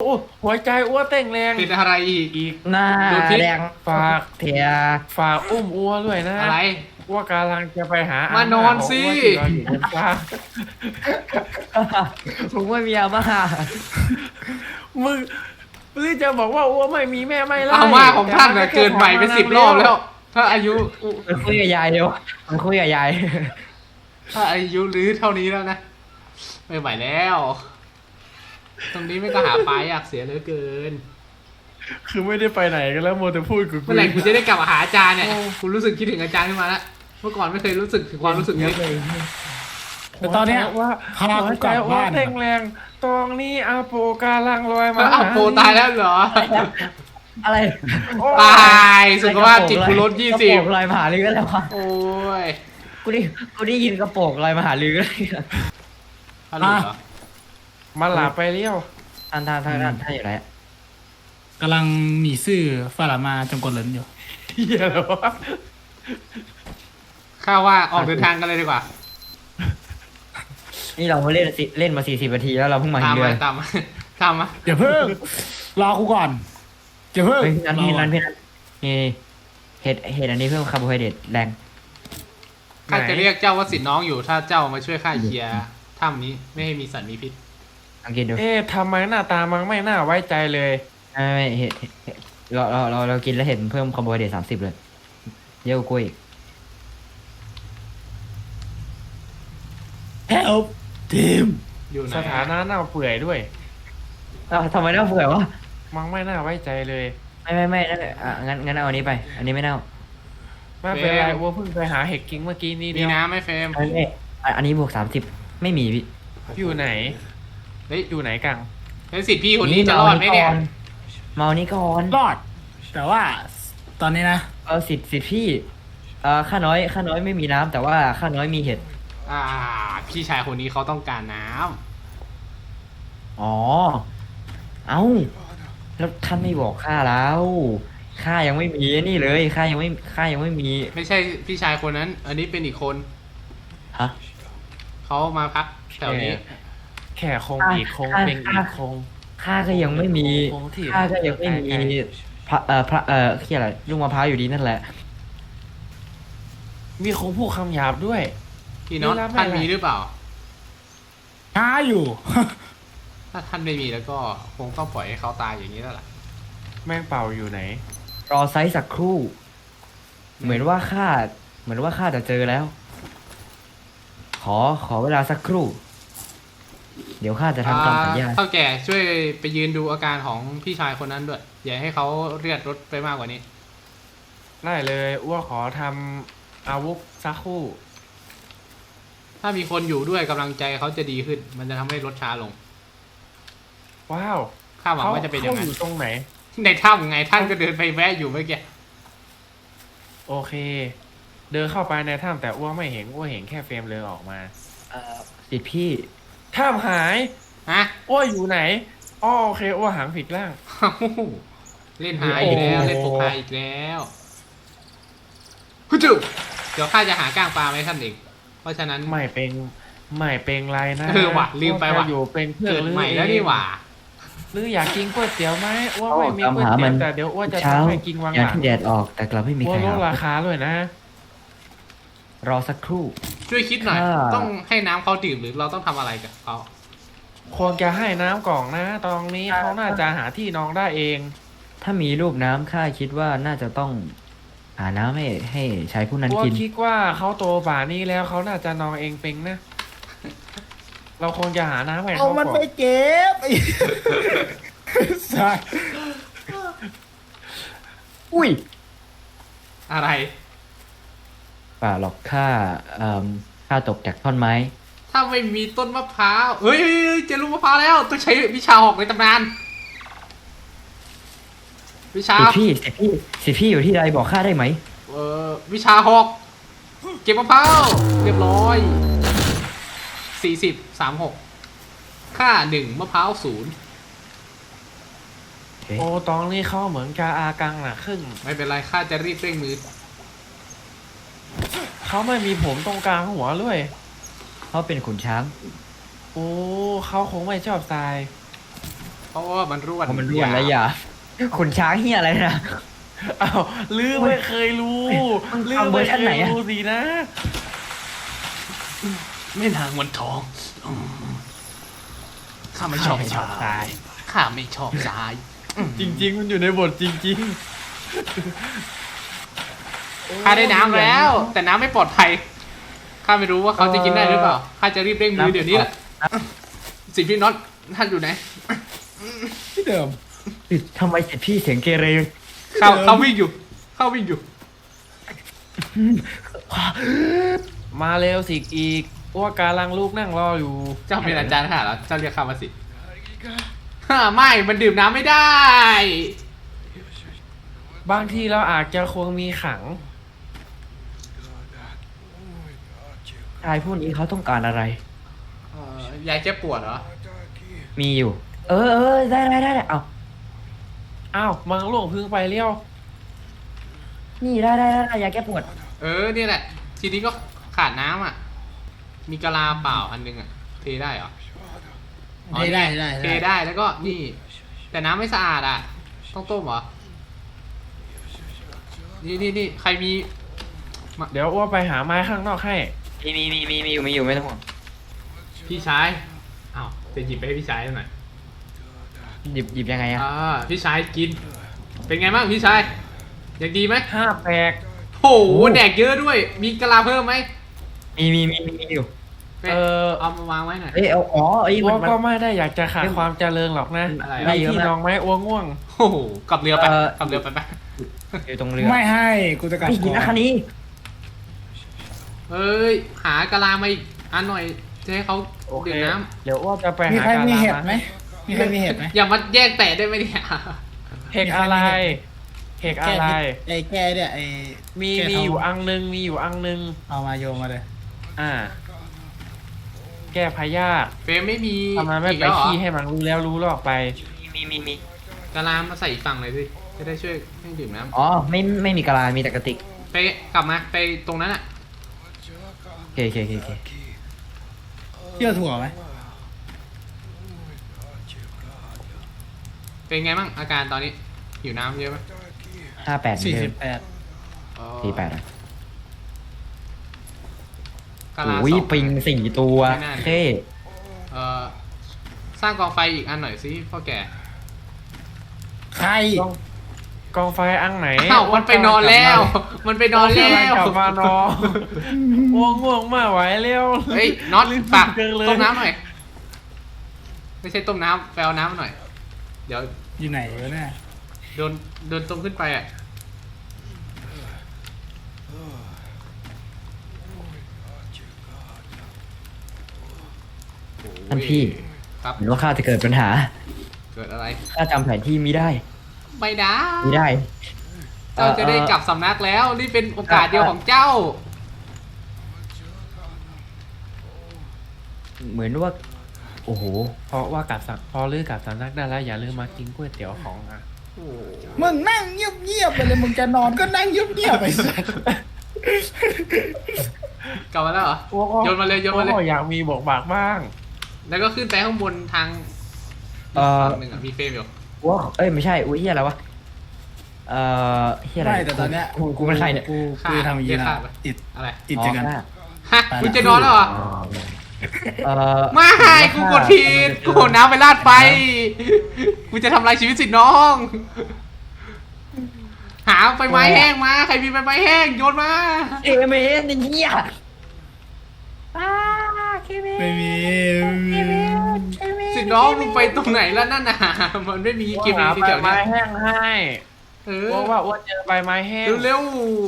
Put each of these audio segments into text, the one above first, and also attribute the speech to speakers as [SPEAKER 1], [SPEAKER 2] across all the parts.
[SPEAKER 1] หัวใจอ้วเต้งแรง
[SPEAKER 2] เป็นอะไรอีก
[SPEAKER 3] หน้าแดง
[SPEAKER 1] ฝาก
[SPEAKER 3] เทีย
[SPEAKER 1] ฝากอุ้มอ้วด้วยนะ
[SPEAKER 2] อะไร
[SPEAKER 1] อ้วกำลังจะไปหาม
[SPEAKER 2] านอนสิ
[SPEAKER 1] ของอ้วที่นอนอยู่บนฟ้า
[SPEAKER 3] ผมไม่มีอาม่า
[SPEAKER 1] มึงหรือจะบอกว่าอ้วไม่มีแม่ไม่ไล่
[SPEAKER 2] อาม่าของท่านน่ะเกินไปเป็น10 รอบแล้ว ถ้าอายุ
[SPEAKER 3] มันคุยกับยายเดียวมันคุยกับยาย
[SPEAKER 2] ถ้าอายุรื้อเท่านี้แล้วนะไม่ไหวแล้ว ตรงนี้ไม่ก็หาปลายากเสียเหลือเกิน
[SPEAKER 1] คือไม่ได้ไปไหนกันแล้วโมแต่พูดกู
[SPEAKER 2] เมื่อไหร่กูจะได้กลับมาหาอาจารย์เนี่ยกูรู้สึกคิดถึงอาจารย์ขึ้นมาแล้วเมื่อก่อนไม่เคยรู้สึกถึงความรู้สึกนี้
[SPEAKER 4] แต่ตอนเนี้ย
[SPEAKER 1] ว่า
[SPEAKER 4] พา
[SPEAKER 1] หั
[SPEAKER 4] กู
[SPEAKER 1] ว
[SPEAKER 4] ก
[SPEAKER 1] ใจ
[SPEAKER 4] ลับ
[SPEAKER 1] อ้ว
[SPEAKER 4] บ้าน
[SPEAKER 1] เต้งแรงตรงนี้อาโปกาลังลอยมา
[SPEAKER 2] อ้าวโปตายแล้วเหรอ
[SPEAKER 3] อะไร
[SPEAKER 2] ตายสุขภาพจิตกูลด
[SPEAKER 3] กระโปรงลอยมหาลือแล้ววะ
[SPEAKER 2] โอ้ย
[SPEAKER 3] กูได้ยินกระโปรงลอยมหาลือเลย
[SPEAKER 2] ฮัลโหลเหรอ
[SPEAKER 1] มาหลาไปเลี้ยว
[SPEAKER 3] ท่านอยู่ไหน
[SPEAKER 4] กำลังหนีซื่อฝรั่งมาจงกดเหลินอยู่
[SPEAKER 1] เฮียเหรอวะ
[SPEAKER 2] ข้าว่าออกเดินทางกันเลยดีกว่า
[SPEAKER 3] นี่เราเล่นมา40 นาทีแล้วเราเพิ่งมา
[SPEAKER 2] ตาม
[SPEAKER 3] เรือ
[SPEAKER 2] มาตามมาตามมา
[SPEAKER 4] อย่าเพิ่ง รอกูก่อนอย่าเพิ่ง
[SPEAKER 3] เฮ้ยนั่น
[SPEAKER 4] รอ
[SPEAKER 3] พี่
[SPEAKER 4] ก่อ
[SPEAKER 3] นี่เห็ดอันนี้เพิ่มคาร์โบไฮเดรตแรง
[SPEAKER 2] ข้าจะเรียกเจ้าว่าสิทธิ์น้องอยู่ถ้าเจ้ามาช่วยข้าเคลียร์ถ้ำนี้ไม่ให้มีสัตว์มีพิษ
[SPEAKER 3] สังเกตดู
[SPEAKER 1] ทำไมหน้าตามันไม่น่าไว้ใจเลย
[SPEAKER 3] ไม่เห็ดเรากินแล้วเห็ดเพิ่มคาร์โบไฮเดรต30เลยเยอะกว่ากูอีก
[SPEAKER 4] Help ทีม
[SPEAKER 2] อยู่ไหน
[SPEAKER 1] สถานะเน่าเปื่อยด้วย
[SPEAKER 3] ทำไมน่าเบื่อวะ
[SPEAKER 1] มันไม่น่าไว้ใจเลย
[SPEAKER 3] ไม่งั้นเอาอันนี้ไป อันนี้ไม่เน่า
[SPEAKER 1] ไม่เป็นไรอ้วเพิ่งไปหาเห็ดกิ้งเมื่อกี้นี่
[SPEAKER 2] มี
[SPEAKER 1] เดียว
[SPEAKER 2] น้ำไหมเฟรม
[SPEAKER 3] อันนี้บวก30ไม่มีพี่
[SPEAKER 1] อยู่ไหน
[SPEAKER 2] เฮ้ย
[SPEAKER 1] อยู่ไหนกัง
[SPEAKER 2] แล้วสิทธิ์พี่คนนี้จะรอดไหมเนี่ย
[SPEAKER 3] เมานี้ก่อน
[SPEAKER 4] รอด แต่ว่าตอนนี้นะ
[SPEAKER 3] สิทธิ์พี่ข้าน้อยไม่มีน้ำแต่ว่าข้าน้อยมีเห็ด
[SPEAKER 2] พี่ชายคนนี้เขาต้องการน้
[SPEAKER 3] อ๋อ เอ้า แล้วท่านไม่บอกข้าแล้วข้ายังไม่มีนี่เลยข้ายังไม่มี
[SPEAKER 2] ำไม่ใช่พี่ชายคนนั้น อันนี้เป็นอีกคน
[SPEAKER 3] ฮะ
[SPEAKER 2] เขามาพักแถวนี้
[SPEAKER 1] แข่คงอีกคงเป็นอีกคง
[SPEAKER 3] ข้าก็ยังไม่มี
[SPEAKER 1] คงที่
[SPEAKER 3] ข้าก็ยังไม่มีพระที่อะไรลูกมะพร้าวอยู่ดีนั่นแหละ
[SPEAKER 1] มีคงพูดคำหยาบด้วย
[SPEAKER 2] พี่น็อต
[SPEAKER 1] ไม่รับ
[SPEAKER 2] ท่าน
[SPEAKER 1] ไม่รับ
[SPEAKER 2] มีหรือเปล่า
[SPEAKER 4] ช้าอยู่
[SPEAKER 2] ถ้าท่านไม่มีแล้วก็คงต้องปล่อยให้เขาตายอย่างนี้แล้วล่ะ
[SPEAKER 1] แม่งเป่าอยู่ไหน
[SPEAKER 3] รอไซส์สักครู่ เหมือนว่าข้าจะเจอแล้ว ขอเวลาสักครู่ เดี๋ยวข้าจะทำตามสัญญา
[SPEAKER 2] เท่าแก่ช่วยไปยืนดูอาการของพี่ชายคนนั้นด้วย อย่าให้เขาเลือดรถไปมากกว่านี้
[SPEAKER 1] ได้เลยอ้วขอทำอาวุธสักครู่
[SPEAKER 2] ถ้ามีคนอยู่ด้วยกำลังใจเขาจะดีขึ้น มันจะทำให้รถช้าลง
[SPEAKER 1] ว้าว
[SPEAKER 2] ข้าหวังว่าจะเป็นอย่าง
[SPEAKER 1] เขา
[SPEAKER 2] นั้น
[SPEAKER 1] อยู่ตรงไหน
[SPEAKER 2] ในถ้ำไงท่านก็เดินไปแวะอยู่เมื่อกี้
[SPEAKER 1] โอเค เดินเข้าไปในถ้ำแต่อ้วไม่เห็นอ้วเห็นแค่เฟรมเลยออกมา
[SPEAKER 3] สิทธิ์พี่
[SPEAKER 1] ถ้ำหาย
[SPEAKER 2] ฮะ
[SPEAKER 1] อ้วอยู่ไหนอ๋อโอเคอ้วหางผิดร่าง
[SPEAKER 2] เล่นหาอีกแล้วเล่นโฟกาอีกแล้วฮึจุเดี๋ยวข้าจะหาก้างปลาไหมท่านเองเพราะฉะนั้น
[SPEAKER 1] ไม่เป็นไรนะ
[SPEAKER 2] ว่ะลืมไปว่ะ
[SPEAKER 1] อ้อยู่เป็นเพื่อน
[SPEAKER 2] เกิด
[SPEAKER 1] หรือ
[SPEAKER 2] ใหม่แล้วนี่หว่า
[SPEAKER 1] หรืออยากกินก๋วยเตี๋ยวไหมอ้ว
[SPEAKER 3] เอา
[SPEAKER 1] ไม่มีก๋วย
[SPEAKER 3] ตามหา
[SPEAKER 1] เตี๋
[SPEAKER 3] มั
[SPEAKER 1] ยวน แต่เดี๋ยวอ้วจะ
[SPEAKER 3] เช้า
[SPEAKER 1] ทำให้กินวัง
[SPEAKER 3] อย่า
[SPEAKER 1] หลัง
[SPEAKER 3] ที่แดดออกแต่กลับไม่มี
[SPEAKER 1] อ้ว
[SPEAKER 3] ใคร
[SPEAKER 1] ลด
[SPEAKER 3] หา
[SPEAKER 1] ราคาด้วยนะ
[SPEAKER 3] รอสักครู่
[SPEAKER 2] ช่วยคิดหน่อย
[SPEAKER 3] ค่ะ
[SPEAKER 2] ต้องให้น้ำเขาดื่มหรือเราต้องทำอะไรกับเขา
[SPEAKER 1] ควรจะให้น้ำกล่องนะ ตรงนี้เขาน่าจะหาที่นองได้เอง
[SPEAKER 3] ถ้ามีรูปน้ำข้าคิดว่าน่าจะต้องหาน้ำให้ชายผู้นั้น
[SPEAKER 1] อ้ว
[SPEAKER 3] กิน
[SPEAKER 1] คิดว่าเขาโตป่านนี้แล้วเขาน่าจะนองเองเป็นนะ เราคงจะหาน้ำให้
[SPEAKER 4] เอา
[SPEAKER 1] เขา
[SPEAKER 4] มัน
[SPEAKER 1] ก่อ
[SPEAKER 4] ไป
[SPEAKER 1] น
[SPEAKER 4] เก็บไอ้ใช่
[SPEAKER 3] อุ้ย
[SPEAKER 2] อะไร
[SPEAKER 3] ป่าหรอกข้าตกจากท่อนไม้
[SPEAKER 2] ถ้าไม่มีต้นมะพร้าวเฮ้ยเจอลูกมะพร้าวแล้วต้องใช้วิชาหอกในตำนานวิชา
[SPEAKER 3] สิทธิ์พี่อยู่ที่ใดบอกข้าได้ไหม
[SPEAKER 2] วิชาหอกเก็บมะพร้าวเรียบร้อย40 36ค่า1มะพร้าว0
[SPEAKER 1] โอ้ตองนี่เขาเหมือนกาอากังน่ะครึ่ง
[SPEAKER 2] ไม่เป็นไรข้าจะรีบเร่งมือ
[SPEAKER 1] เขาไม่มีผมตรงกลางหัวด้วย
[SPEAKER 3] เขาเป็นขุนช้าง
[SPEAKER 1] โอ้เขาคงไม่ชอบทราย
[SPEAKER 2] เขาราะว่ามันร่วน
[SPEAKER 3] เพราะมันร่วนแล้วอย่าขุนช้างเฮียอะไรนะ
[SPEAKER 1] อ้าวลือไม่เคยรู้
[SPEAKER 3] มึง
[SPEAKER 1] ลือ
[SPEAKER 3] ทำเวอ
[SPEAKER 1] ไม่
[SPEAKER 3] ร์ชัน
[SPEAKER 1] เค
[SPEAKER 3] ไหน
[SPEAKER 1] ย
[SPEAKER 3] อะ
[SPEAKER 1] รู้สินะ
[SPEAKER 2] แม่นางวันทองข้าไม่ชอบทรายข้าไม่ชอบทราย
[SPEAKER 1] จริง ๆ มันอยู่ในบทจริง
[SPEAKER 2] ข้าได้น้ำแล้ว แต่น้ำไม่ปลอดภัยข้าไม่รู้ว่าเขาจะกินได้หรือเปล่าข้าจะรีบเร่งมือเดี๋ยวนี้แหละสิพี่น็อตท่านอยู่ไหน
[SPEAKER 4] ที่เดิม
[SPEAKER 3] ทำไมเสร็จพี่เสียงเกเร
[SPEAKER 2] เขาวิ่งอยู่เข้าวิ่งอยู่
[SPEAKER 1] ๆ มาเร็วสิอีกอ้วกกาลังลูกนั่งรออยู่
[SPEAKER 2] เจ้าเป็นอาจารย์ค่ะเหรอเจ้าเรียกข้ามาสิไม่มันดื่มน้ำไม่ได้
[SPEAKER 1] บางทีเราอาจจะควรมีขัง
[SPEAKER 3] ชายผู้นี้เขาต้องการอะไร
[SPEAKER 2] ยายเจ็บปวดเหรอ
[SPEAKER 3] มีอยู่ เออได้เอา
[SPEAKER 1] อ้าวมังหลวงพึ่งไปเลี้ยว
[SPEAKER 3] นี่ได้ยาแก้ปวด
[SPEAKER 2] นี่แหละ ทีนี้ก็ขาดน้ำอ่ะ มีกะลาเปล่าอันนึงอ่ะ เทได้เหรอ
[SPEAKER 4] ได้
[SPEAKER 2] เทได้แล้วก็นี่ แต่น้ำไม่สะอาดอ่ะ ต้องต้มเหรอ นี่ใครมี
[SPEAKER 1] เดี๋ยวอ้วกไปหาไม้ข้างนอกให้
[SPEAKER 3] มีอยู่ไม่ต้องห่วง
[SPEAKER 2] พี่ชายอ้าวจะหยิบไปให้พี่ชายหน่อย
[SPEAKER 3] หยิบยังไงอะ
[SPEAKER 2] พี่ชายกิน เป็นไงบ้างพี่ชายยังดีไหม
[SPEAKER 1] 5 แปลก
[SPEAKER 2] โหแดกเยอะด้วย มีกะลาเพิ่มไหม
[SPEAKER 3] มีอยู่
[SPEAKER 2] เอามาวางไว้หน่อย
[SPEAKER 1] อ้วก
[SPEAKER 3] มัน
[SPEAKER 1] ก็ไม่ได้อยากจะขาดความเจริญหรอกนะ
[SPEAKER 2] อะไร
[SPEAKER 3] ได้
[SPEAKER 1] มี
[SPEAKER 3] เยอะ
[SPEAKER 1] ที่
[SPEAKER 3] มาก
[SPEAKER 1] นองไหมอ้วกง่วง
[SPEAKER 2] โอ้โหกลับเรือไป
[SPEAKER 3] เอ่อ
[SPEAKER 2] กลับเรือไป
[SPEAKER 3] อยู่ตรงเรือ
[SPEAKER 4] ไม่ให้กูจะกลับ
[SPEAKER 3] ไม่กินนะคันนี้
[SPEAKER 2] เอ้ยหากะลามาอีกอันหน่อยจะให้เขา
[SPEAKER 1] โอเค
[SPEAKER 2] ดื่มน้
[SPEAKER 1] เดี๋ยวอ้วกจะไป
[SPEAKER 4] มี
[SPEAKER 1] หา
[SPEAKER 4] ใคร
[SPEAKER 1] กา
[SPEAKER 4] มี
[SPEAKER 1] ลา
[SPEAKER 4] เห็ด
[SPEAKER 1] มา
[SPEAKER 4] ไหมมีใครมีเห็ดไหม
[SPEAKER 2] ำอย่ามาแยกแตะได้ไหมเนี่ย
[SPEAKER 1] เห็ดอะไรเห็ดอะไร
[SPEAKER 4] ไอ้แกเนี่ยไอ้
[SPEAKER 1] มี
[SPEAKER 4] แก้
[SPEAKER 1] มี
[SPEAKER 4] ท้ง
[SPEAKER 1] อยู่อังนึงมีอยู่อังนึง
[SPEAKER 4] เอามาโยนมาเลย
[SPEAKER 1] แก้พยาธิ
[SPEAKER 2] เฟรมไม่มี
[SPEAKER 1] ทำไมไม่
[SPEAKER 2] อีก
[SPEAKER 1] ไป
[SPEAKER 2] แล้วเหรอ
[SPEAKER 1] ขี้ให้มันรู้แล้วรู้หรอกไป
[SPEAKER 3] มี
[SPEAKER 2] กะลามาใส่อีกฝั่งหน่อยสิจะได้ช่วยให้ดื่มน้
[SPEAKER 3] อ๋อไม่มีกะลา มีแต่กระติก
[SPEAKER 2] ำไปกลับมาไปตรงนั้นอ่ะ
[SPEAKER 3] โอเค
[SPEAKER 4] เที่ยวถั่วไหม
[SPEAKER 2] เป็นไงบ้างอาการตอนนี้หิวน้ำเยอะไหม
[SPEAKER 3] 58
[SPEAKER 4] 48
[SPEAKER 2] อ๋อ
[SPEAKER 3] 48อ่ะ
[SPEAKER 2] กะลา
[SPEAKER 3] อุ้ย
[SPEAKER 2] สอง
[SPEAKER 3] ปิง4 ตัว
[SPEAKER 2] ไม่น่า
[SPEAKER 3] เท่
[SPEAKER 2] สร้างกองไฟอีกอันหน่อยสิพ่อแก่
[SPEAKER 4] ใคร
[SPEAKER 1] กองไฟอังไหน
[SPEAKER 2] อ้าวมันไปนอนแล้ว มันไปนอนแล้ว
[SPEAKER 1] กลับมานอนง่วงมากไหวเร็ว
[SPEAKER 2] เฮ้ยน็อตปาก
[SPEAKER 1] เกินเลย
[SPEAKER 2] ต้มน้ำหน่อย ไม่ใช่ต้มน้ำไปเอาน้ำมาหน่อย เดี๋ยว
[SPEAKER 4] อยู่ไหนวะเนี่ย
[SPEAKER 2] โดนต้มขึ้นไปอ่ะ
[SPEAKER 3] ท่านพี่
[SPEAKER 2] ครับ
[SPEAKER 3] เห็นว่าข้าจะเกิดปัญหา
[SPEAKER 2] เกิดอะไร
[SPEAKER 3] ข้าจำแผนที่ไม่ได้
[SPEAKER 2] ไม่ได้
[SPEAKER 3] ไม่ได้
[SPEAKER 2] เจ้าจะได้กลับสำนักแล้ว นี่เป็นโอกาสเดียวของเจ้า
[SPEAKER 3] เหมือนว่า โอ้โห
[SPEAKER 1] เพราะว่ากลับพอลือกลับสำนักได้แล้วอย่าลืมมากินก๋วยเตี๋ยวของอ่ะ
[SPEAKER 4] มึงนั่งเงียบๆไปเลยมึงจะนอนก็นั่งเงียบๆไปสัตว์
[SPEAKER 2] กลับมาแล้วเหรอ โยนมาเลยโยนมาเลย
[SPEAKER 1] โอ้อยากมีบกบากบ้าง
[SPEAKER 2] แล้วก็ขึ้นไปข้างบนทาง
[SPEAKER 3] เอ่อ
[SPEAKER 2] ฝั่งหนึ่งอ่ะมีเฟรมอยู่
[SPEAKER 3] ว่าเอ้ยไม่ใช่ อุ้ยเฮียอะไรวะ เฮียอะไร
[SPEAKER 4] ไม่แต่ตอนเนี้ย
[SPEAKER 3] กูเป็นใครเนี่ย
[SPEAKER 4] กูจะทำอย่างนี้นะอิด
[SPEAKER 2] อะไร
[SPEAKER 4] อิดเจอกัน
[SPEAKER 3] อ๋อ
[SPEAKER 2] ฮะคุณจะนอนแล้วเหรอ
[SPEAKER 3] ไม่
[SPEAKER 2] กูกดผิดกูโหนน้ำไปลาดไฟ กูจะทำลายชีวิตสิน้อง หาใบไม้แห้งมา ใครมีใบไม้แห้งโยนมา
[SPEAKER 3] เอเมนเฮีย
[SPEAKER 4] ไม่มี
[SPEAKER 2] สิน้องมึงไปตรงไหนแล้วนั่นน่ะ มันไม่มีเกม
[SPEAKER 1] หา
[SPEAKER 2] ที่
[SPEAKER 1] ใบ
[SPEAKER 2] แถว
[SPEAKER 1] ไม้
[SPEAKER 2] เนี้ย
[SPEAKER 1] แห้งให้
[SPEAKER 2] เอ
[SPEAKER 1] ว่าอ้วนเจอใบไม้แห้ง
[SPEAKER 2] เร็ว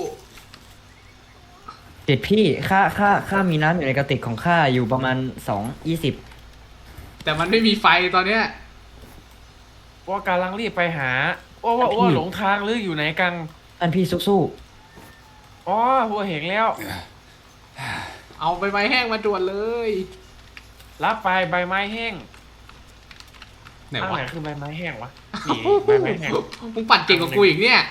[SPEAKER 3] ติดพี่ข้ามีน้ำอยู่ในกระติกของข้าอยู่ประมาณ2:20
[SPEAKER 2] ๆแต่มันไม่มีไฟตอนเนี้ย
[SPEAKER 1] ว่ากำลังรีบไปหาว่าอ้วหลงทางหรืออยู่ไหนกัน
[SPEAKER 3] ท่านพี่สู้
[SPEAKER 1] อ๋อหัวเห็นแล้ว
[SPEAKER 2] เอาใบไม้แห้งมาด่วนเลย
[SPEAKER 1] รับไปใบไม้แห้ง
[SPEAKER 2] ไหน
[SPEAKER 1] อัง
[SPEAKER 2] วะ
[SPEAKER 1] ไหนคือใบไม้แห้งวะนี่ใบไม้แห้ง
[SPEAKER 2] มึงปั่นเก่งกว่ากูอีกเนี่ย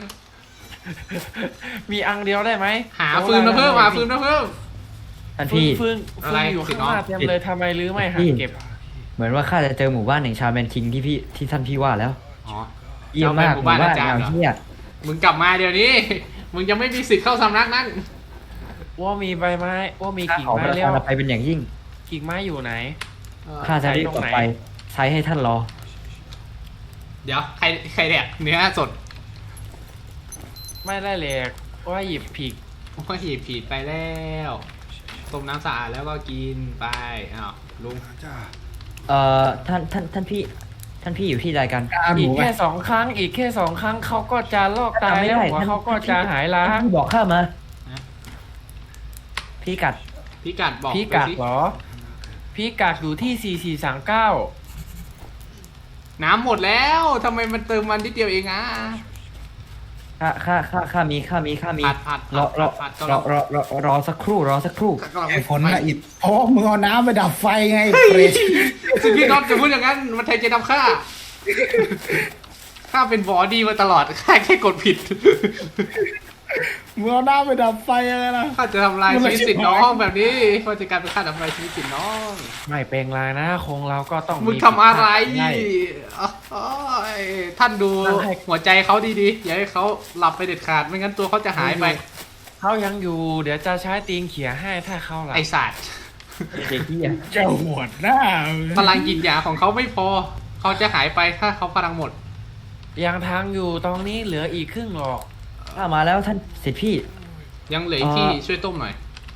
[SPEAKER 1] มีอังเดียวได้ไหม
[SPEAKER 2] หาฟืนมาเพิ่มหาฟืนมาเพิ่ม
[SPEAKER 3] ๆท่าน
[SPEAKER 1] ฟืน
[SPEAKER 3] พี่
[SPEAKER 1] ฟืน
[SPEAKER 2] อะไร
[SPEAKER 1] ฟืนอยู่ข้างหน้า
[SPEAKER 2] สิน้อง
[SPEAKER 1] เต็มเลยทำไมลือไม่หา
[SPEAKER 3] พี่
[SPEAKER 1] เก็บ
[SPEAKER 3] เหมือนว่าข้าจะเจอหมู่บ้านแห่งชาแมนคิงที่ท่านพี่ว่าแล้ว
[SPEAKER 2] อ๋อ
[SPEAKER 3] เยี่ยมมาก
[SPEAKER 2] หมู่บ้านอาจารย์
[SPEAKER 3] อย่าง
[SPEAKER 2] เหรอ
[SPEAKER 3] เที่ย
[SPEAKER 2] มึงกลับมาเดี๋ยวนี้ มึงยังไม่มีสิทธิ์เข้าสำนักนั้น
[SPEAKER 1] อ้วมีใบไม้อ้วมี
[SPEAKER 3] ข้า
[SPEAKER 1] กิ่ง
[SPEAKER 3] ขอป
[SPEAKER 1] ไม้
[SPEAKER 3] ระ
[SPEAKER 1] เลี้ย
[SPEAKER 3] ทาว นอภัยเป็นอย่างยิ่ง
[SPEAKER 1] กิ่งไม้อยู่ไหน
[SPEAKER 3] ข้าจะรีบกลับไปใช้ให้ท่านรอ
[SPEAKER 2] เดี๋ยวใครแดกเนื้อสด
[SPEAKER 1] ไม่ได้เหล็กอ้วหยิบผิก
[SPEAKER 2] โอ้ยผิดไปแล้วต้มน้ำสะอาดแล้วก็กินไปอ้าวลุง
[SPEAKER 3] ท่านพี่อยู่ที่ใดกัน
[SPEAKER 4] กล้าห
[SPEAKER 1] อี
[SPEAKER 4] มู
[SPEAKER 1] ก
[SPEAKER 4] ไป
[SPEAKER 1] แค่2 ครั้งอีกแค่2 ครั้งเขาก็จะลอกตาย
[SPEAKER 3] จำไม่
[SPEAKER 1] แล้ว
[SPEAKER 3] ได้
[SPEAKER 1] หัวเขาก็จะหายล้า
[SPEAKER 3] ท่านพี่บอกข้ามา พี่กัด
[SPEAKER 2] พี่กัดบอก
[SPEAKER 1] พี่กัด
[SPEAKER 2] ไปสิ
[SPEAKER 1] เหรอพี่กัดอยู่ที่4439
[SPEAKER 2] น้ำหมดแล้วทำไมมันเติมมันนิดเดียวเองอ่ะ
[SPEAKER 3] ข้ามี
[SPEAKER 2] ผัด
[SPEAKER 3] รอ
[SPEAKER 2] ผัดก็รอ
[SPEAKER 3] รอสักครู่
[SPEAKER 4] ไอ้ผลละอิดเพราะว่ามึงเอาน้ำไปดับไฟไงเฟรช
[SPEAKER 2] สิพี่น็อตจะพูดอย่างนั้นมันไทยจะทำข้าข้าเป็นบอดี้มาตลอดข้าแค่กดผิด
[SPEAKER 4] มึงเอาน้ำไปดับไฟอะไรล่ะ
[SPEAKER 2] ข้าจะทำลายชีวิตสิทธิ์น้องแบบนี้ข้าจะกลายเป็นข้าทำลายชีวิตสิทธิ์น้อง
[SPEAKER 1] ไม่เป็นไรนะคงเราก็ต้อง
[SPEAKER 2] มึงทำอะไร
[SPEAKER 1] ใช่
[SPEAKER 2] โอ้ยท่านดู
[SPEAKER 1] นั่งให้
[SPEAKER 2] หัวใจเขาดีๆ อย่าให้เขาหลับไปเด็ดขาด ไม่งั้นตัวเขาจะหายไป
[SPEAKER 1] เขายังอยู่ เดี๋ยวจะใช้ตีนเขี่ยให้ถ้าเขาหลับ
[SPEAKER 2] ไอศาสตร์
[SPEAKER 3] เด็กที่อ่ะ
[SPEAKER 4] เจ้าหวดหน้า
[SPEAKER 2] พลังกินยาของเขาไม่พอ เขาจะหายไปถ้าเขาพลังหมด
[SPEAKER 1] ยังทางอยู่ตรงนี้เหลืออีกครึ่งหรอก
[SPEAKER 3] ข้ามาแล้วท่านสิทธิพี่
[SPEAKER 2] ยังเหลืออีกที่ช่วยต้มหน่อย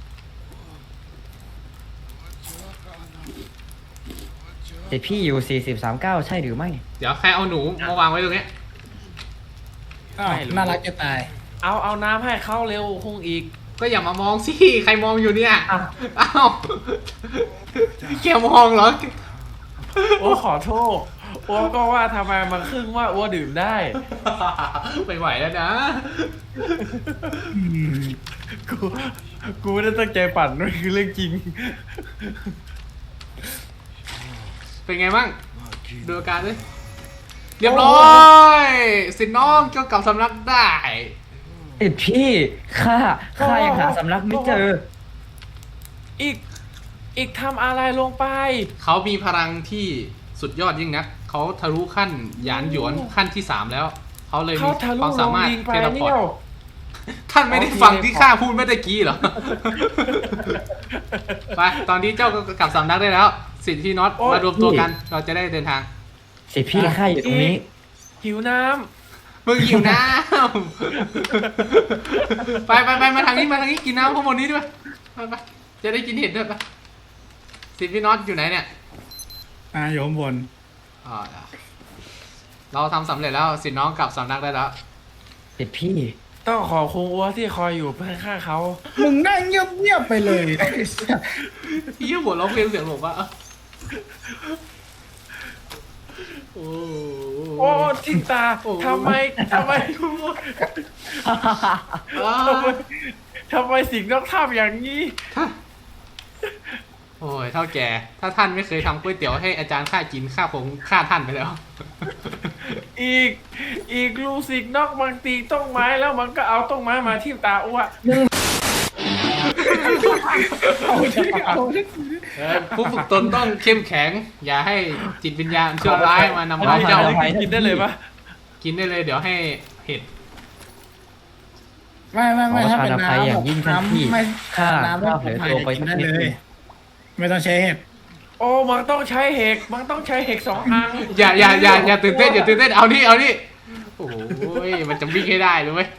[SPEAKER 3] สิทธิพี่อยู่4039ใช่หรือไม่
[SPEAKER 2] เดี๋ยวใครเอาหนูมาวางไว้ตรงเนี้ย
[SPEAKER 4] อ้าวน่ารักจะตาย
[SPEAKER 1] เอาน้ำให้เขาเร็วคงอีก
[SPEAKER 2] ก็อย่ามามองสิ ใครมองอยู่เนี่ย
[SPEAKER 1] อ่ะ
[SPEAKER 2] อ้าวแกมองเหรอ
[SPEAKER 1] โอ้ขอโทษอ้วก็ว่าทำไมมันครึ่งว่าอ้วดื่มได้
[SPEAKER 2] ไม่ไหวแล้วนะ
[SPEAKER 1] กูไม่ได้ตั้งใจปั่นมันคือเรื่องจริง
[SPEAKER 2] เป็นไงบ้างดูอาการเลยเรียบร้อย สินน้องก็กลับสำนักได้
[SPEAKER 3] สิทธิพี่ข้ายังหาสำนักไม่เจอ
[SPEAKER 1] อีกทำอะไรลงไป
[SPEAKER 2] เขามีพลังที่สุดยอดยิ่งนัก เขาทะลุขั้นหยานหยวนขั้นที่ 3 แล้ว เขาเลย
[SPEAKER 1] เขา
[SPEAKER 2] มี
[SPEAKER 1] ทะลุ
[SPEAKER 2] ความ
[SPEAKER 1] ล
[SPEAKER 2] สาง มารถ
[SPEAKER 1] ดิงไป
[SPEAKER 2] เทเลพอ
[SPEAKER 1] เนี่
[SPEAKER 2] ร์
[SPEAKER 1] ย
[SPEAKER 2] ตท่านไม่ได้ฟังที่ข้าพูดเมื่อตะกี้เหรอ ไป ตอนนี้เจ้าก็กลับสำนักได้แล้ว สิทธิน็อตมารวมตัวกัน เราจะได้เดินทาง
[SPEAKER 3] สิทธิพี่ข้าอยู่ตรงนี้
[SPEAKER 1] หิวน้
[SPEAKER 2] มึงหิวน้ำ ไปมาทางนี้กินน้ำข้างบนนี้ด้วยไปจะได้กินเห็ดด้วยไปสิทธิน็อตอยู่ไหนเนี่ย
[SPEAKER 4] อยู่ข้างบน
[SPEAKER 2] อ๋อเราทำสำเร็จแล้วสิน้องกลับสำนักได้แล้ว
[SPEAKER 3] สิทธิพี่
[SPEAKER 1] ำต้องขอบคุณอ้วที่คอยอยู่เพื่อข้างเขา
[SPEAKER 4] มึงนั่งเงียบๆไปเลย
[SPEAKER 2] ยี่หัวเราะเพลงเสียงหลบว่าโอ้
[SPEAKER 1] โอ้ทิงตาทำไม
[SPEAKER 2] อ้าว
[SPEAKER 1] ทำไมสิ่งนอกทำอย่างนี้
[SPEAKER 2] โอ้ยเท่าแก่ถ้าท่านไม่เคยทำก๋วยเตี๋ยวให้อาจารย์ข้ากินข้าคงฆ่าท่านไปแล้ว
[SPEAKER 1] อีกลูกศิษย์นอกบางตีต้นไม้แล้วมันก็เอาต้นไม้มาทิ่มตาอ้ว
[SPEAKER 2] ผู้ฝึกตนต้องเข้มแข็ง อย่าให้จิตวิญญาณชั่วร้ายมานำร้ายเจ้า
[SPEAKER 1] กินได้เลยปะ
[SPEAKER 2] กินได้เลยเดี๋ยวให้เห็ด
[SPEAKER 4] ไม่ถ้าเป็น
[SPEAKER 3] ขอประทานอภัยอย่างยิ่งท่านพี่
[SPEAKER 4] ไม่
[SPEAKER 3] ข้า
[SPEAKER 4] น้ำไม่
[SPEAKER 3] เผลอตัวไปสัก
[SPEAKER 4] ได้
[SPEAKER 3] นิด
[SPEAKER 4] เล
[SPEAKER 3] นึ
[SPEAKER 4] ย
[SPEAKER 3] ง
[SPEAKER 4] ไม่ต้องใช้เห็ด
[SPEAKER 1] โอ้มันต้องใช้เห็กมันต้องใช้เห็ก2 อัน
[SPEAKER 2] อย่าตื่นเต้นเอานี่โอ้ยมันจะวิ่งให้ได้เลยเว้ย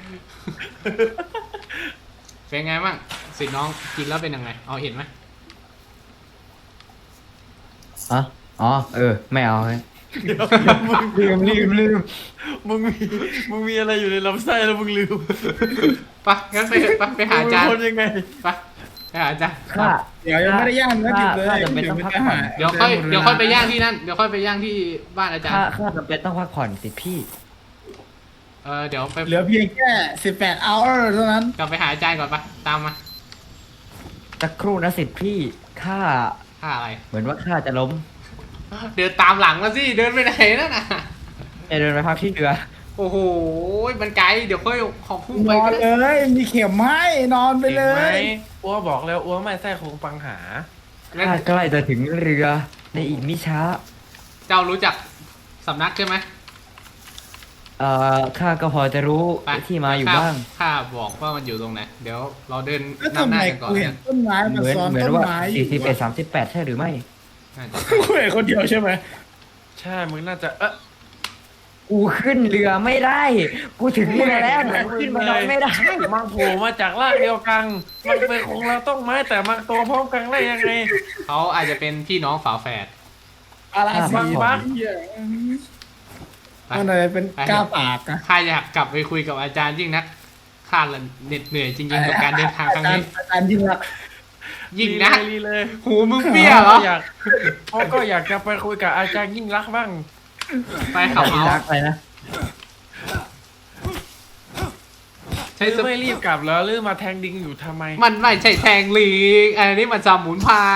[SPEAKER 2] เป็นไงบ้างสิน้องกินแล้วเป็นยังไงเอาเห็นไหม
[SPEAKER 3] อ๋อไม่เอาเลยลืม
[SPEAKER 1] มึงมีอะไรอยู่ในลำไส้แล้วมึงลืม
[SPEAKER 2] ไปงั้นไปหาอาจารย์
[SPEAKER 1] มึงเป็นคนยังไง
[SPEAKER 2] ไปหาอาจารย์
[SPEAKER 3] ข้า
[SPEAKER 4] เดี๋ยวยังไม่ได้ย่างก็หยิบเลย
[SPEAKER 3] ข้าจำเป็นต้องพักผ่อน
[SPEAKER 2] เดี๋ยวค่อยไปย่างที่นั่นเดี๋ยวค่อยไปย่างที่บ้านอาจารย์
[SPEAKER 3] ข้าจำเป็นต้องพักผ่อนสิพี่
[SPEAKER 2] เดี๋ยวไป
[SPEAKER 4] เหลือเพียงแค่18 hour เท่านั้น
[SPEAKER 2] กลับไปหาอาจารย์ก่อนไปตามมา
[SPEAKER 3] สักครู่นะสิทธิพี่ข้า
[SPEAKER 2] ค่าอะไร
[SPEAKER 3] เหมือนว่าข้าจะล้ม
[SPEAKER 2] เดินตามหลังมาสิเดินไปไหนนั่นน่ะ
[SPEAKER 3] จะเดินไปพักที่เรือ
[SPEAKER 2] โอ้โหมันไกลเดี๋ยวค่อยขอพุ่ง
[SPEAKER 4] น
[SPEAKER 2] ไป
[SPEAKER 4] อ
[SPEAKER 2] ก็
[SPEAKER 4] น
[SPEAKER 2] ได้
[SPEAKER 4] เลย มีเข็มให้นอนไปเล
[SPEAKER 1] เห็นไหม
[SPEAKER 4] ย
[SPEAKER 1] อ้วบอกแล้วอ้วไม่ใส่คงปังหา
[SPEAKER 3] ข้าใกล้จะถึงเรือในอีกมิช้า
[SPEAKER 2] เจ้ารู้จักสำนักใช่ไหม
[SPEAKER 3] ข้าก็พอจะรู้
[SPEAKER 2] ไป
[SPEAKER 3] ที่มาอยู่
[SPEAKER 2] ข้
[SPEAKER 3] บ้าง
[SPEAKER 2] ข้าบอกว่ามันอยู่ตรงไหน เดี๋ยวเราเดิน
[SPEAKER 4] แล้ว
[SPEAKER 2] นำ
[SPEAKER 4] ทำ
[SPEAKER 2] ห
[SPEAKER 4] ไม
[SPEAKER 2] น้ากันก่อน
[SPEAKER 4] กู
[SPEAKER 2] เนี่
[SPEAKER 4] เห็
[SPEAKER 2] ย
[SPEAKER 4] นต้นไม้มัน
[SPEAKER 3] เหมือน
[SPEAKER 4] ซ้อน
[SPEAKER 3] เหมือน
[SPEAKER 4] ต้น
[SPEAKER 3] ว่า
[SPEAKER 4] ไม้อยู่
[SPEAKER 3] 41 38ใช่หรือไม่
[SPEAKER 2] น่าจะ
[SPEAKER 4] กูเห็นคนเดียวใช่ไหม
[SPEAKER 1] ใช่มึงน่าจะ
[SPEAKER 3] กูขึ้นเรือไม่ได้ กูถึงเรือแล้วแต่กูขึ้นมานอนไม่ได้
[SPEAKER 1] มันโผล่มาจากรากเดียวกันมันเป็นของเราต้องไม้แต่มันโตพร้อมกันได้ยังไง
[SPEAKER 2] เขาอาจจะเป็นพี่น้องฝาแฝด
[SPEAKER 4] อะไรสี
[SPEAKER 1] บัก
[SPEAKER 4] เหี้ย
[SPEAKER 2] ไป
[SPEAKER 4] มันอะไรเป็นกล้าปากอะ
[SPEAKER 2] ข้าอยากกลับไปคุยกับอาจารย์ยิ่งนักข้าละเหน็ดเหนื่อยจริงๆกับการเดินทางครั้งนี้
[SPEAKER 4] อาจารย์ยิ่งรัก
[SPEAKER 2] ยิ่งนัก
[SPEAKER 1] ลีเลย
[SPEAKER 2] หูมึงเปี้ยเหรอ
[SPEAKER 1] เขาก็อยากจะไปคุยกับอาจารย์ยิ่งรักษณ์บ้าง
[SPEAKER 2] ไปขับ
[SPEAKER 3] ที่
[SPEAKER 2] เอา
[SPEAKER 3] รักอะไรนะ
[SPEAKER 2] ใช้
[SPEAKER 1] หรือไม่รีบกลับแล้วหรือมาแทงดิงอยู่ทำไม
[SPEAKER 2] มันไม่ใช่แทงลีกอันนี้มันสมุนไพร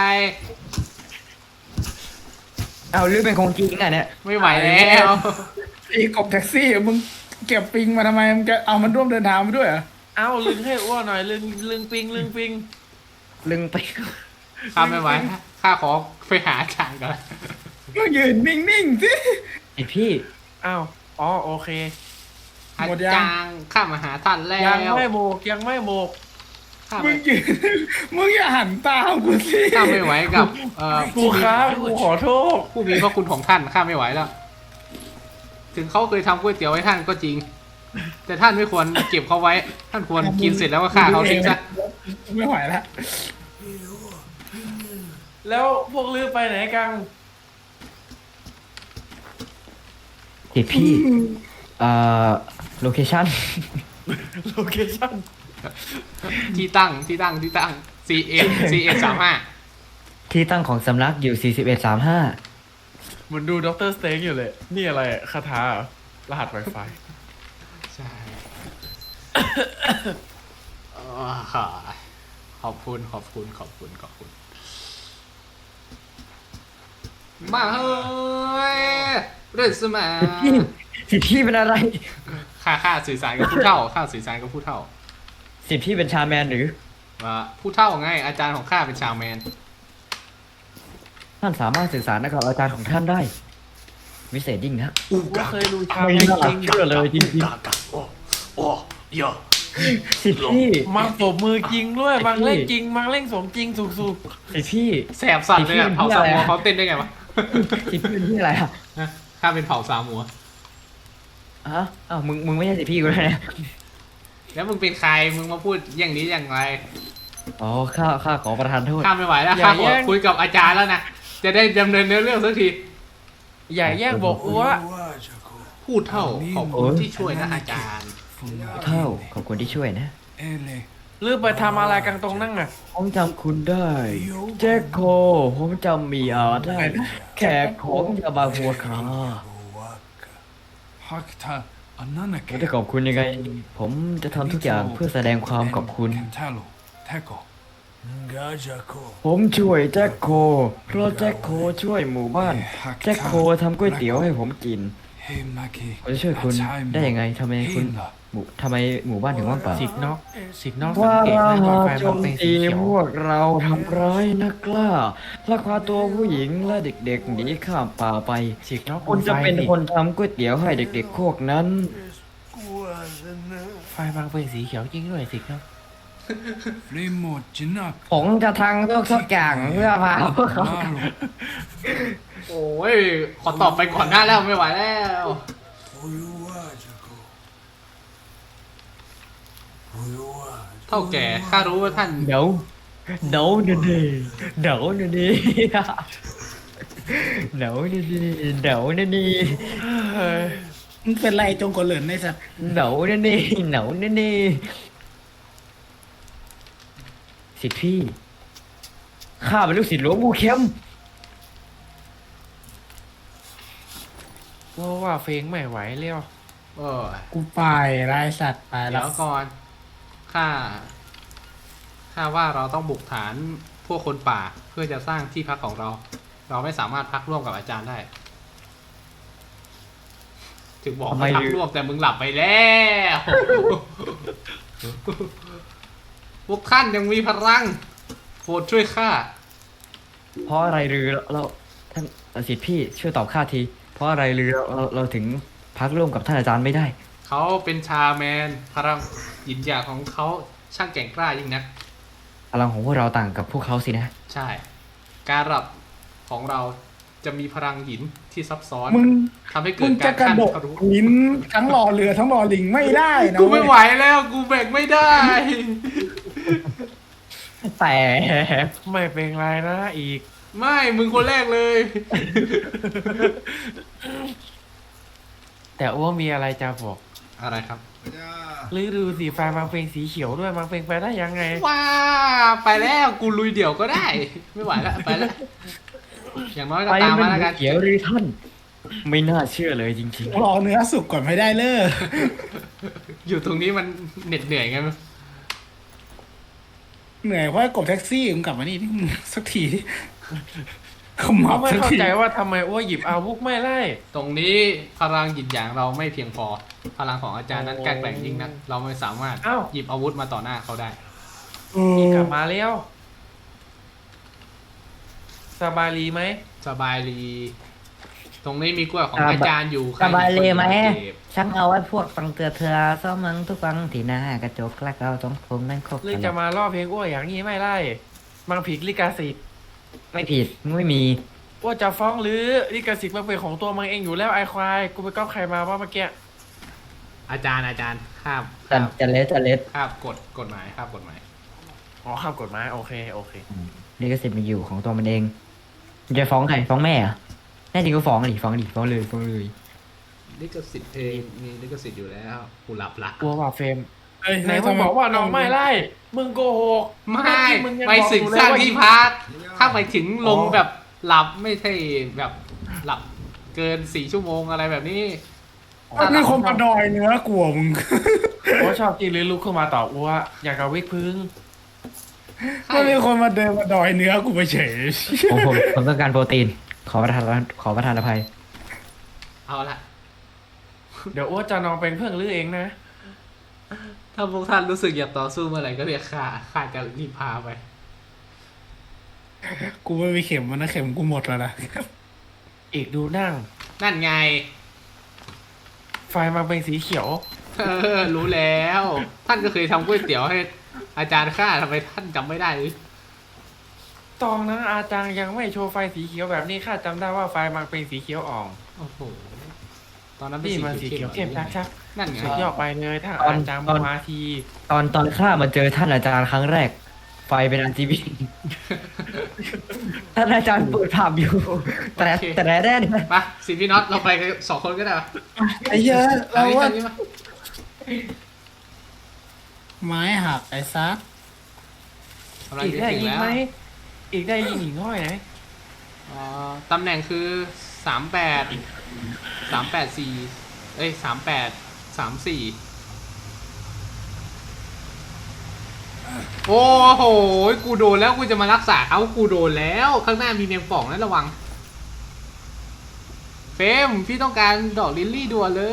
[SPEAKER 3] เอาหรือเป็นของจริงอ่ะเนี่ย
[SPEAKER 2] ไม่ไหวแล้ว
[SPEAKER 4] ไอ้กบแท็กซี่มึงเก็บปิงมาทำไมมึงจะเอามันร่วมเดินทางไปด้วยเหรอ
[SPEAKER 1] เอาลึงให้อ้วนหน่อยลึงปิง
[SPEAKER 3] ลึงไป
[SPEAKER 2] ข้าไม่ไหวข้าขอไปหาอาจารย์ก่อน
[SPEAKER 4] มึงยืนนิ่งๆสิ
[SPEAKER 3] ไอพี่
[SPEAKER 1] อ้าวอ๋อโอเค
[SPEAKER 2] อา
[SPEAKER 4] หมดยัง
[SPEAKER 2] จารย์ข้ามาหาท่านแล้ว
[SPEAKER 1] ยังไม่โมกยังไม่โมก
[SPEAKER 2] ข้า
[SPEAKER 4] มึ
[SPEAKER 2] ไม่
[SPEAKER 4] งยืนมึงอย่าหันตามกูสิ
[SPEAKER 2] ข้าไม่ไหวกับ
[SPEAKER 1] กูครับกูขอโทษ
[SPEAKER 2] ผู้มีพระคุณของท่านข้าไม่ไหวแล้ว ถึงเขาเคยทำก๋วยเตี๋ยวให้ท่านก็จริง แต่ท่านไม่ควรเก็บเขาไว้ ท่านควรกินเสร็จแล้วก็ฆ่าเขาทิ้งซะ
[SPEAKER 4] ไม่ไหวแล้ว
[SPEAKER 1] แล้วพวกลือไปไหนกัน
[SPEAKER 3] ไอพี่โลเคชั่น
[SPEAKER 1] โลเคชั่น
[SPEAKER 2] ที่ตั้ง C1
[SPEAKER 3] ที่ตั้งของสำนักอยู่ 4135
[SPEAKER 1] เหมือนดูด็อกเตอร์สเต็กอยู่เลย นี่อะไรอะคาถาเหรอรหัส Wi-Fi
[SPEAKER 2] ใช่ขอบคุณมาเฮ้ยเรื่องสมา
[SPEAKER 3] สิทธิ์พี่เป็นอะไร
[SPEAKER 2] ข้าสื่อสารกับผู้เฒ่าข้าสื่อสารกับผู้เฒ่า
[SPEAKER 3] สิทธิ์พี่เป็นชาแมนหรือ
[SPEAKER 2] ว่าผู้เฒ่าไงอาจารย์ของข้าเป็นชาวแมน
[SPEAKER 3] ท่านสามารถสื่อสารกับอาจารย์ของท่านได้ วิเศษยิ่งนะ
[SPEAKER 1] ก็เคยดูชาว
[SPEAKER 3] ไม่
[SPEAKER 1] ไม่
[SPEAKER 3] น่า
[SPEAKER 1] จริง
[SPEAKER 3] เชื่อเลยจริงๆสิทธิ์พี่
[SPEAKER 1] มังปรบมือจริงด้วยมังเล่นจริงมังเล่นสมจริงสุก
[SPEAKER 3] สิทธิ์พี่
[SPEAKER 2] แสบสัตว์เลยอะเผ่าซามัวเขาเต้นได้ไงวะ
[SPEAKER 3] สิทธิ์พี่เป็นที่อะไรอ่ะ
[SPEAKER 2] ข้าเป็นเผ่าซามัว
[SPEAKER 3] ฮะอ้าวมึงไม่ใช่สิทธิ์พี่กูแล้วเนี่ย
[SPEAKER 2] แล้วมึงเป็นใครมึงมาพูดอย่างนี้อย่างไร
[SPEAKER 3] อ๋อข้าขอประทานโทษ
[SPEAKER 2] ข้าไม่ไหวแล้วข้าขอคุยกับอาจารย์แล้วนะจะได้ดำเนินเนื้อเรื่องสักที
[SPEAKER 1] ๆอย่าแย่งบอกอัว
[SPEAKER 2] พูดเท่าขอบคุณที่ช่วยนะอาจารย์
[SPEAKER 3] เท่าขอบคุณที่ช่วยนะ
[SPEAKER 1] หรือไปทำอะไรกันตรงนั่งอ่ะ
[SPEAKER 3] ผมจำคุณได้ แจ็คโค ผมจำมีอาได้ แขกของยาบาหัวขาผมจะขอบคุณยังไง ผมจะทำทุกอย่างเพื่อแสดงความขอบคุณ ผมช่วยแจ็คโค เพราะแจ็คโคช่วยหมู่บ้าน แจ็คโคทำก๋วยเตี๋ยวให้ผมกิน ผมจะช่วยคุณได้ยังไงทำไมหมู่บ้านถึงว่างเปล่า
[SPEAKER 1] สิกนอกสัง
[SPEAKER 3] ว่า
[SPEAKER 1] เกต
[SPEAKER 3] เรา
[SPEAKER 1] นะไฟ
[SPEAKER 3] โจ
[SPEAKER 1] มัน
[SPEAKER 3] ม
[SPEAKER 1] เป็นสี
[SPEAKER 3] ตี
[SPEAKER 1] เขียว
[SPEAKER 3] พวกเราทำร้ายนักล่าลักพาตัวผู้หญิงและเด็กๆหนีข้ามป่าไป
[SPEAKER 1] สิกนอก
[SPEAKER 3] คุณจะเป็น
[SPEAKER 1] ไฟ
[SPEAKER 3] คนทำก๋วยเตี๋ยวให้เด็กๆพวกนั้น
[SPEAKER 1] ไฟบางเป็นสีเขียวจริงด้วยสิกนอก
[SPEAKER 3] ผมจะทางทุกอย่างเพื่อพาพวกเขา
[SPEAKER 2] โอ้ยขอตอบไปก่อนหน้าแล้วไม่ไหวแล้ว เท่าแก่ข้ารู้ว่าท่าน
[SPEAKER 3] เดี๋ยวนี่เดี๋ยวนี่เดี๋ยวนี่
[SPEAKER 1] เฮ้ย
[SPEAKER 4] มึงเป็นไรจงกระเหลินในสัตว์
[SPEAKER 3] เดี๋ยวนี่สิทธิ์พี่ข้าเป็นลูกศิษย์หลวงปู่เข้ม
[SPEAKER 1] ว่าเฟงไม่ไหวเลี้ยว
[SPEAKER 2] เออ
[SPEAKER 4] กูไปไรสัตว์ไปแล้
[SPEAKER 2] เดี๋ยว วก่อนข้าว่าเราต้องบุกฐานพวกคนป่าเพื่อจะสร้างที่พักของเรา เราไม่สามารถพักร่วมกับอาจารย์ได้ ถึงบอกให้พักร่วมแต่มึงหลับไปแล้วพวกท่านยังมีพลังโปรดช่วยข้า
[SPEAKER 3] เพราะอะไรหรือเราท่านสิทธิ์พี่ช่วยตอบข้าที เพราะอะไรเราถึงพักร่วมกับท่านอาจารย์ไม่ได้
[SPEAKER 2] เขาเป็นชาแมนพลังหยินหยางของเขาช่างแกร่งกล้ายิ่งนัก
[SPEAKER 3] พลังของพวกเราต่างกับพวกเขาสินะ
[SPEAKER 2] ใช่ การรับของเราจะมีพลังหินที่ซับซ้อน
[SPEAKER 4] มึง
[SPEAKER 2] ทำให้เกิ
[SPEAKER 4] มึ
[SPEAKER 2] ด
[SPEAKER 4] ง
[SPEAKER 2] กา
[SPEAKER 4] จะ
[SPEAKER 2] ร
[SPEAKER 4] กระ
[SPEAKER 2] ขั้น
[SPEAKER 4] โดด
[SPEAKER 2] ทะลุ
[SPEAKER 4] หินทั้งรอเรือทั้งรอลิงไม่ได้นะ
[SPEAKER 2] กูไม่
[SPEAKER 4] เว้ย
[SPEAKER 2] ไหวแล้วกูแบกไม่ได้
[SPEAKER 3] แต่
[SPEAKER 1] ไม่เป็นไรนะอีก
[SPEAKER 2] ไม่มึงคนแรกเลย
[SPEAKER 1] แต่อ้วมีอะไรจะบอก
[SPEAKER 2] อะไรครับ
[SPEAKER 1] หรือดูสีไฟมันเป็นสีเขียวด้วยมันเป็นไปได้ยังไง
[SPEAKER 2] ว้าไปแล้วกูลุยเดี่ยวก็ได้ ไม่ไหวแล้วไปแล้ว อย่างน้อยก็
[SPEAKER 3] ไป
[SPEAKER 2] ตาม
[SPEAKER 3] มัน
[SPEAKER 2] มาแล้วกัน
[SPEAKER 3] เขียวหรือท่าน ไม่น่าเชื่อเลยจริง
[SPEAKER 4] รอเนื้อสุกก่อนไม่ได้เลย
[SPEAKER 2] อยู่ตรงนี้มันเหน็ดเหนื่อยไงมั้ย
[SPEAKER 4] เหนื่อยเพราะกบแท็กซี่มึงกลับมานี่ที่มึงสักทีขมั
[SPEAKER 1] เขา
[SPEAKER 4] บ
[SPEAKER 1] ไม่
[SPEAKER 4] สัก
[SPEAKER 1] เข้า
[SPEAKER 4] ที
[SPEAKER 1] ใจว่าทำไมอ้วหยิบอาวุธไม่ไล่
[SPEAKER 2] ตรงนี้พลังหยินหยางเราไม่เพียงพอ พลังของอาจารย์นั้นกล้าแกร่งยิ่งนักเราไม่สามารถ
[SPEAKER 1] อ้าว
[SPEAKER 2] หยิบอาวุธมาต่อหน้าเขาได้
[SPEAKER 1] กลับมาแล้วสบายดีไหม
[SPEAKER 2] สบายดี ตรงนี้มีกล้วยของอาจารย์อยู่
[SPEAKER 3] ๆ สบายเลยไหม
[SPEAKER 2] ใครเป็นคนเก็บ
[SPEAKER 3] ฉันเอาไว้พวกฟังเตือเธอซ้อมมึงทุกฟังที่หน้ากระจกและเราต้องคงนั่นครบ
[SPEAKER 1] หรือจะมาล่อเพลงอ้วอย่างนี้ไม่ไล่มันผิดลิขสิทธิ์
[SPEAKER 3] ไม่ผิดไม่มี
[SPEAKER 1] อ้วจะฟ้องหรือลิขสิทธิ์มันเป็นของตัวมันเองอยู่แล้วไอควายกูไปก๊อปใครมาว่าเมื่อกี้
[SPEAKER 2] อาจารย์ข้าม
[SPEAKER 3] จะเล็ด
[SPEAKER 2] ข้ามกฎหมายข้ามกฎหมาย
[SPEAKER 1] อ๋อข้ามกฎหมายโอเคโอเค
[SPEAKER 3] ลิขสิทธิ์มันอยู่ของตัวมันเองมันจะฟ้องใครฟ้องแม่เหรอะแน่จริงก็ฟ้องเลยฟ้องเลย
[SPEAKER 2] ลิขสิทธิ์เพลงมีลิขสิทธิ์อยู่แล้วกูหลับละ
[SPEAKER 1] กลัวว่าเฟรม
[SPEAKER 4] เอ้ย
[SPEAKER 1] ไหนมึงบอกว่าน้องไม่ไล่มึงโกหก
[SPEAKER 2] ไม่
[SPEAKER 1] มึงยัง
[SPEAKER 2] ไป
[SPEAKER 1] บอก
[SPEAKER 2] สึก
[SPEAKER 1] อยู่เลย
[SPEAKER 2] สร้าง
[SPEAKER 1] ว่า
[SPEAKER 2] ที่พักถ้าไปถึงลงแบบหลับไม่ใช่แบบหลับเกิน4 ชั่วโมงอะไรแบบนี้
[SPEAKER 4] มันมีคนมาดอยเนื้อกลัวมึง
[SPEAKER 1] อ้วชอบกินหรือลุกขึ้นมาตอบอ้วอยากกับวิกพึ่ง
[SPEAKER 4] มันมีคนมาเดินมาดอยเนื้อกูไปเฉย
[SPEAKER 3] ผมต้องการโปรตีน ขอประทานอภัย
[SPEAKER 2] เอาละ
[SPEAKER 1] เดี๋ยวอ้วจะนองเป็นเพื่อนลือเองนะ
[SPEAKER 2] ถ้าพวกท่านรู้สึกอยากต่อสู้เมื่อไหร่ก็เรียกข้าจะรีบพาไป
[SPEAKER 4] กูไม่มีเข็มมันนะเข็มกูหมดแล้วนะ
[SPEAKER 1] อีกดูนั่ง
[SPEAKER 2] นั่นไง
[SPEAKER 1] ไฟมันเป็นสีเขียว
[SPEAKER 2] รู้แล้ว ท่านก็เคยทำก๋วยเตี๋ยวให้อาจารย์ข้าทำไมท่านจำไม่ได้หรือ
[SPEAKER 1] ตอนนั้นอาจารย์ยังไม่โชว์ไฟสีเขียวแบบนี้ข้าจำได้ว่าไฟมันเป็นสีเขียวอ่อง
[SPEAKER 2] โอ้โหตอนนั้นเป็
[SPEAKER 1] นี่มันสีเขียวเข้มชัก
[SPEAKER 2] นั่นไง
[SPEAKER 1] สุดยอดไปเลยถ้า
[SPEAKER 3] ตอน
[SPEAKER 1] อาจารย์
[SPEAKER 3] ตอน
[SPEAKER 1] มาที
[SPEAKER 3] ตอนข้ามาเจอท่านอาจารย์ครั้งแรก ไฟเป็น RGB ท่านอาจารย์เปิดภาพอยู่แต่แน่ๆ
[SPEAKER 2] ไปสิพี่น็อตเราไปกัน2 คนก็ได้ปะ
[SPEAKER 4] ไอ้เหี้ยอะเราว่า
[SPEAKER 2] อันนี้มา
[SPEAKER 4] ไม้หักไอ้ซัก
[SPEAKER 2] กำลัง
[SPEAKER 1] อีก
[SPEAKER 2] จะ
[SPEAKER 1] ได้
[SPEAKER 2] ถึง
[SPEAKER 1] ยิง
[SPEAKER 2] แล้ว
[SPEAKER 1] ไหมอีกได้ยิงหิ่งห้อยไหน
[SPEAKER 2] ตำแหน่งคือ384เอ้ย3834โอ้โหกูโดนแล้วกูจะมารักษาเขากูโดนแล้วข้างหน้ามีแมงป่องนะระวังเฟรมพี่ต้องการดอกลิลลี่ด่วนเลย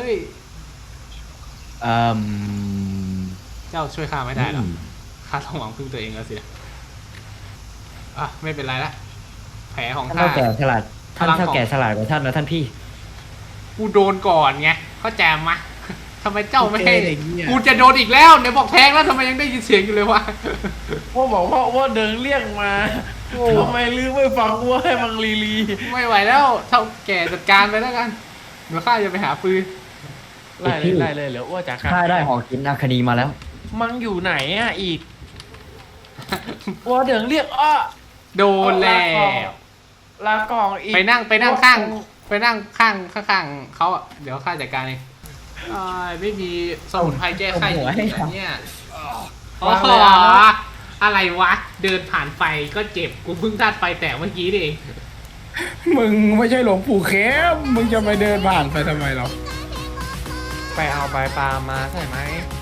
[SPEAKER 2] เจ้าช่วยข้าไม่ได้หรอกข้าต้องหวังพึ่งตัวเองแล้วสินะอ่ะไม่เป็นไรละแผลของ
[SPEAKER 3] ท่าน
[SPEAKER 2] ข้า
[SPEAKER 3] เท่าแก่ฉลาด ท่าน
[SPEAKER 2] พลังของ
[SPEAKER 3] เท่าแก่ฉลาดกว่าท่านนะท่านพี่
[SPEAKER 2] กูโดนก่อนไงเข้าใจมะ ทำไมเจ้าไม่ให้
[SPEAKER 4] โอเคอย่างเงี้ย
[SPEAKER 2] กูจะโดนอีกแล้วเนี่ยบอกแทงแล้วทำไมยังได้ยินเสียงอยู่เลยวะ
[SPEAKER 1] ว่าบอกว่าเดินเรียกมา
[SPEAKER 2] โอ้
[SPEAKER 1] ทำไมลือไม่ฟังว่าให้มังลี
[SPEAKER 2] ไม่ไหวแล้วเท่าแก่จัดการไปแล้วกันเดี๋ยวข้าจะไปหาปืน
[SPEAKER 1] ไล่เลยไล่เลยเหลืออ้วจากกัน
[SPEAKER 3] ข้าได้หอกินอาคดีมาแล้ว
[SPEAKER 1] มังอยู่ไหนอ่ะอีกอ้วเดินเรียกอ้อ
[SPEAKER 2] โดนแล้ว
[SPEAKER 1] ลากองอีก
[SPEAKER 2] ไปนั่งข้างเขาอะเดี๋ยวข้าจัดการเองไม่มีสมุนไพรแก้ไข้อยู่แล้วเนี่ยโอ้โหอะไรวะ เดินผ่านไฟก็เจ็บกูเพิ่งธาตุไฟแตกเมื่อกี้นี่เอง
[SPEAKER 4] มึงไม่ใช่หลวงปู่เข้มมึงจะไปเดินผ่านไปทำไมเรา
[SPEAKER 1] ไปเอาใบปลามาใช่ไหม